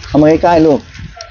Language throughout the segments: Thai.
เอามาใกล้ๆลูก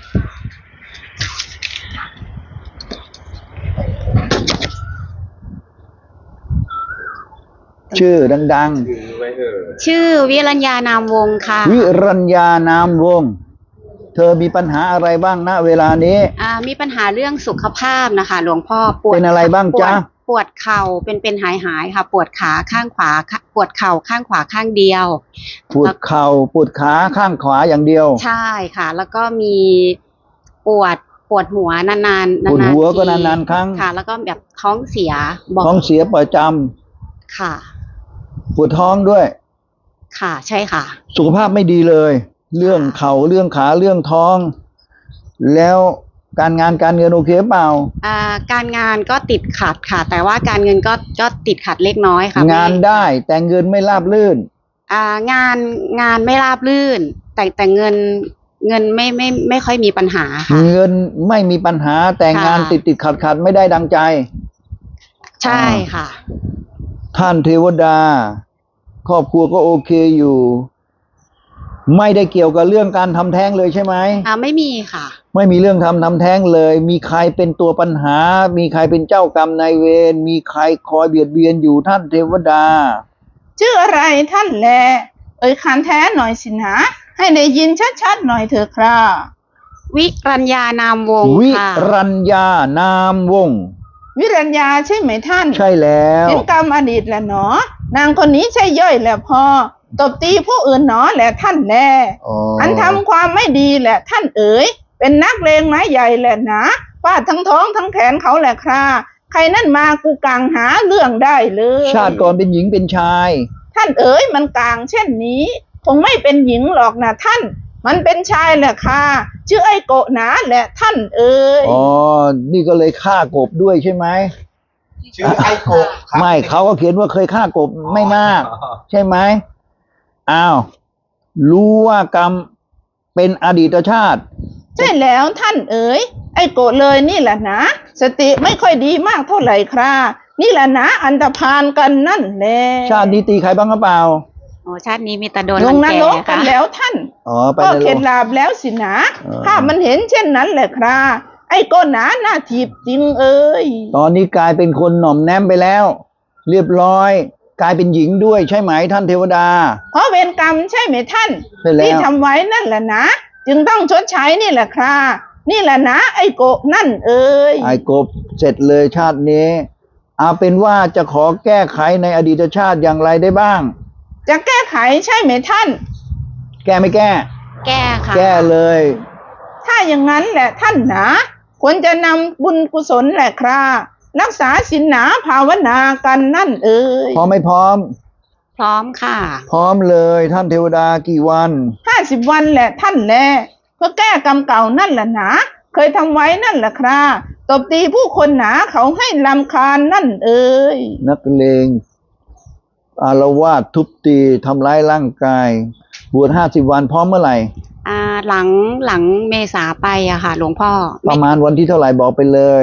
ชื่อดังๆชื่อวิรัญญานามวงศ์ค่ะๆวิรัญญานามวงศ์เธอมีปัญหาอะไรบ้างณเวลานี้มีปัญหาเรื่องสุขภาพนะคะหลวงพ่อปวดเป็นอะไรบ้างจ๊ะปวดเข่าเป็นหายค่ะปวดขาข้างขวาปวดเข่าข้างขวาข้างเดียวปวดเข่าปวดขาข้างขวาอย่างเดียวใช่ค่ะแล้วก็มีปวดหัวนานๆปวดหัวก็นานๆครั้งค่ะแล้วก็แบบท้องเสียท้องเสียประจำค่ะปวดท้องด้วยค่ะใช่ค่ะสุขภาพไม่ดีเลยเรื่องเข่าเรื่องขาเรื่องท้องแล้วการงานการเงินโอเคเปล่าการงานก็ติดขัดค่ะแต่ว่าการเงินก็ติดขัดเล็กน้อยค่ะงานได้แต่เงินไม่ราบรื่นงานไม่ราบรื่นแต่เงินไม่ค่อยมีปัญหาค่ะเงินไม่มีปัญหาแต่งานติดขัดไม่ได้ดังใจใช่ค่ะท่านเทวดาครอบครัวก็โอเคอยู่ไม่ได้เกี่ยวกับเรื่องการทำแท้งเลยใช่ไหมไม่มีค่ะไม่มีเรื่องทำแท้งเลยมีใครเป็นตัวปัญหามีใครเป็นเจ้ากรรมนายเวรมีใครคอยเบียดเบียนอยู่ท่านเทวดาชื่ออะไรท่านแลคันแท้หน่อยสินะให้ได้ยินชัดๆหน่อยเถอะครับวิรัญญานามวงศ์วิรัญญานามวงศ์วิรัญญาใช่ไหมท่านใช่แล้วเป็นกรรมอดีตแหละหนอนางคนนี้ใช่ย่อยแหละพอตบตีผู้อื่นหนอแหละท่านแลอันทำความไม่ดีแหละท่านเอ๋ยเป็นนักเลงไม้ใหญ่แหละนะฟาดทั้งท้องทั้งแขนเขาแหละคราใครนั่นมากูกลางหาเรื่องได้เลยชาติก่อนเป็นหญิงเป็นชายท่านเอ๋ยมันกลางเช่นนี้คงไม่เป็นหญิงหรอกนะท่านมันเป็นชายแหละค่ะชื่อไอ้โกหนาแหละท่านเอ๋ยนี่ก็เลยฆ่ากบด้วยใช่ไหมชื่อไอ้กบไม่เขาก็เขียนว่าเคยฆ่ากบไม่มากใช่ไหมอ้าวรู้ว่ากรรมเป็นอดีตชาติใช่แล้วท่านเอ๋ยไอ้โกเลยนี่แหละนะสติไม่ค่อยดีมากเท่าไหร่ครับนี่แหละนะอันธพาลกันนั่นแหละชาตินี้ตีใครบ้างหรือเปล่าชาตินี้มีแต่โดนลงนรกกันแล้วท่านก็เข็ดหลาบแล้วสินะถ้ามันเห็นเช่นนั้นแหละครับไอ้โกหนาหน้าถีบจริงเอ้ยตอนนี้กลายเป็นคนหน่อมแนมไปแล้วเรียบร้อยกลายเป็นหญิงด้วยใช่ไหมท่านเทวดาเพราะเวรกรรมใช่ไหมท่านที่ทำไว้นั่นแหละนะจึงต้องชดใช้นี่แหละครับนี่แหละนะไอ้โกนั่นเอ้ยไอ้กบเสร็จเลยชาตินี้เอาเป็นว่าจะขอแก้ไขในอดีตชาติอย่างไรได้บ้างจะแก้ไขใช่ไหมท่านแก้ไม่แก้แก้ค่ะแก้เลยถ้าอย่างนั้นแหละท่านนะควรจะนำบุญกุศลแหละครับรักษาศีลหนาภาวนากันนั่นเอ่ยพร้อมไม่พร้อมพร้อมค่ะพร้อมเลยท่านเทวดากี่วัน 50 วันแหละท่านแลเพื่อแก้กรรมเก่านั่นแหละนะเคยทำไว้นั่นแหละครับตบตีผู้คนหนาเขาให้รำคาญนั่นเอ่ยนักเลงอาละวาดทุบตีทำร้ายร่างกายบวช50 วันพร้อมเมื่อไหร่หลังเมษาไปอะค่ะหลวงพ่อประมาณวันที่เท่าไหร่บอกไปเลย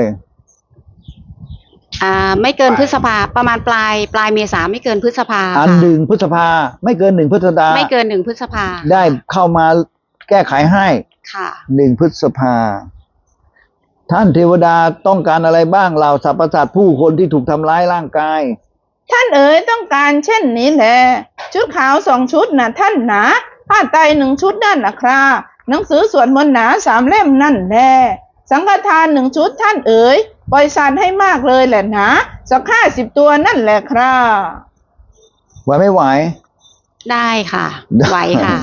ไม่เกินพฤษภาประมาณปลายเมษาไม่เกินพฤษภา 1 พฤษภาไม่เกิน1 พฤษภาไม่เกิน1 พฤษภาได้เข้ามาแก้ไขให้ค่ะ 1 พฤษภาท่านเทวดาต้องการอะไรบ้างเหล่าสรรพสัตว์ผู้คนที่ถูกทำร้ายร่างกายท่านเอ๋ยต้องการเช่นนี้แหละชุดขาว2 ชุดนะท่านนะผ้าไตร1 ชุดนั่นแหละครับหนังสือสวดมนต์หนา3 เล่มนั่นแหละสังฆทาน1 ชุดท่านเอ๋ยปล่อยสัตว์ให้มากเลยแหละนะสัก50 ตัวนั่นแหละครับไหวไม่ไหวได้ค่ะไหวค่ะ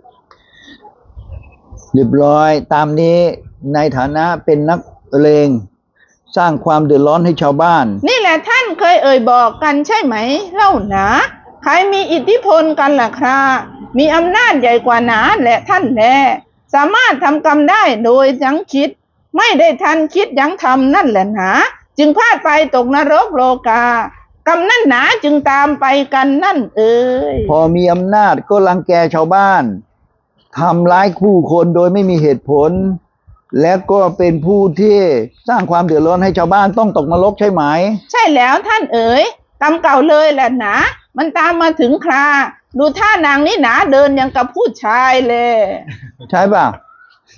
เรียบร้อยตามนี้ในฐานะเป็นนักเลงสร้างความเดือดร้อนให้ชาวบ้านนี่แหละท่านเคยบอกกันใช่ไหมเล่านะใครมีอิทธิพลกันล่ะครับมีอำนาจใหญ่กว่าหนาแหละท่านแลสามารถทำกรรมได้โดยยั้งคิดไม่ได้ทันคิดยั้งทำนั่นแหละนะจึงพลาดไปตกนรกโลกากรรมนั่นหนาจึงตามไปกันนั่นเอ่ยพอมีอำนาจก็รังแกชาวบ้านทำร้ายผู้คนโดยไม่มีเหตุผลและก็เป็นผู้ที่สร้างความเดือดร้อนให้ชาวบ้านต้องตกนรกใช่ไหมใช่แล้วท่านเอ๋ยกรรมเก่าเลยแหละนะมันตามมาถึงคราดูท่านางนี่หนาเดินอย่างกับผู้ชายเลยใช่ป่ะ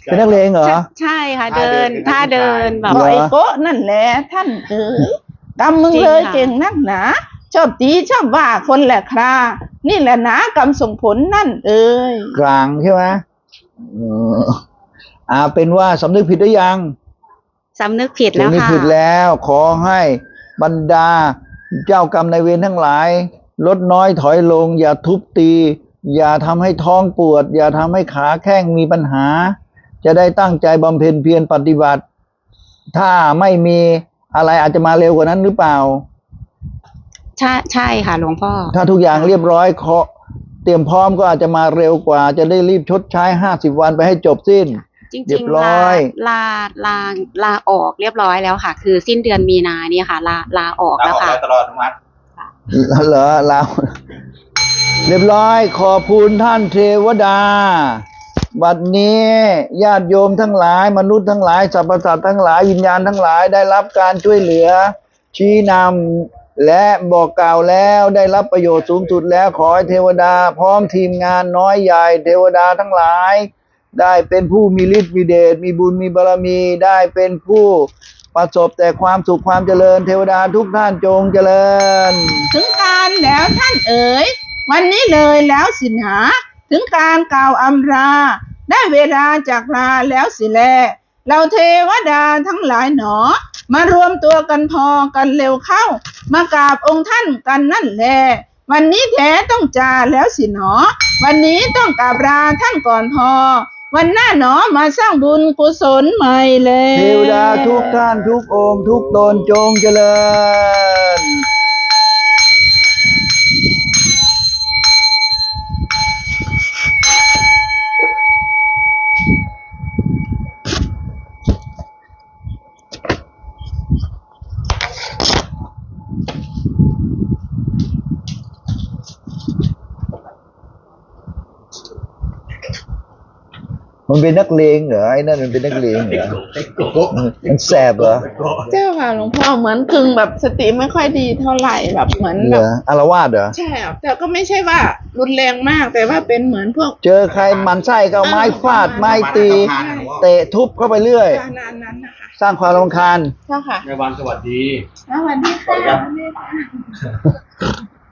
เป็นนักเลงเหรอใช่ค่ะเดินท่าเดินแบบเหรก็ไอ้โกะนั่นแหละท่านเอ๋ยกรรมมึงจริงเลยค่ะเก่งนักหนาชอบตีชอบว่าคนแหละครานี่แหละหนากรรมส่งผลนั่นเอ๋ยกลางใช่ไหมเออเป็นว่าสำนึกผิดหรือยังสำนึกผิดแล้วสำนึกค่ะผิดแล้ว ขอให้บรรดาเจ้ากรรมนายเวรทั้งหลาย ลดน้อยถอยลง อย่าทุบตี อย่าทำให้ท้องปวด อย่าทำให้ขาแข้งมีปัญหา จะได้ตั้งใจบำเพ็ญเพียรปฏิบัติ ถ้าไม่มีอะไรอาจจะมาเร็วกว่านั้นหรือเปล่าใช่ค่ะหลวงพ่อถ้าทุกอย่างเรียบร้อยเตรียมพร้อมก็อาจจะมาเร็วกว่า จะได้รีบชดใช้50 วันไปให้จบสิ้นจเรีริยงบร้ๆอยลาออกเรียบร้อยแล้วค่ะ คือสิ้นเดือนมีนาเนี่ยค่ะ ลาออกเราแล้วออกค่ะแล้วตลอดอนุมัติเหรอเราเรียบร้อยขอบคุณท่านเทวดา บัดนี้ญาติโยมทั้งหลาย มนุษย์ทั้งหลายสรรพสัตว์ทั้งหลายวิญญาณทั้งหลายได้รับการช่วยเหลือ ชี้นำและบอกกล่าวแล้วได้รับประโยชน์สูงสุดแล้วขอให้เทวดา พร้อมทีมงานน้อยใหญ่เทวดาทั้งหลาย ได้เป็นผู้มีฤทธิ์มีเดชมีบุญมีบารมีได้เป็นผู้ประสบแต่ความสุขความเจริญ เทวดาทุกท่านจงเจริญถึงการแล้วท่านเอ๋ยวันนี้เลยแล้วสินะถึงการกล่าวอำลาได้เวลาจากลาแล้วสิแลเราเทวดาทั้งหลายหนอ มารวมตัวกันพอกันเร็วเข้า มากราบองค์ท่านกันนั่นแหละวันนี้แท้ต้องจาแล้วสิหนอ วันนี้ต้องกราบลาท่านก่อนพอ วันหน้าหนอมาสร้างบุญกุศลใหม่เลยเทวดาทุกท่านทุกองค์ทุกตนจงเจริญ มันเป็นนักเลงเหรอไอ้นั่นมันเป็นนักเลงเหรอมันแสบเหรอเจ้าค่ะหลวงพ่อเหมือนกึ่งแบบสติไม่ค่อยดีเท่าไหร่แบบเหมือนเหแบรบออาละวาดเหรอใช่ครับแต่ก็ไม่ใช่ว่ารุนแรงมากแต่ว่าเป็นเหมือนพวกเจอใครหมันไส้ก็เอาไม้ฟาดไม้ตีประมาณนั้นเตะทุบเข้าไปเรื่อยนานนั้นนะคะสร้างความรำคาญเจ้าค่ะในวันสวัสดีสวัสดีค่ะ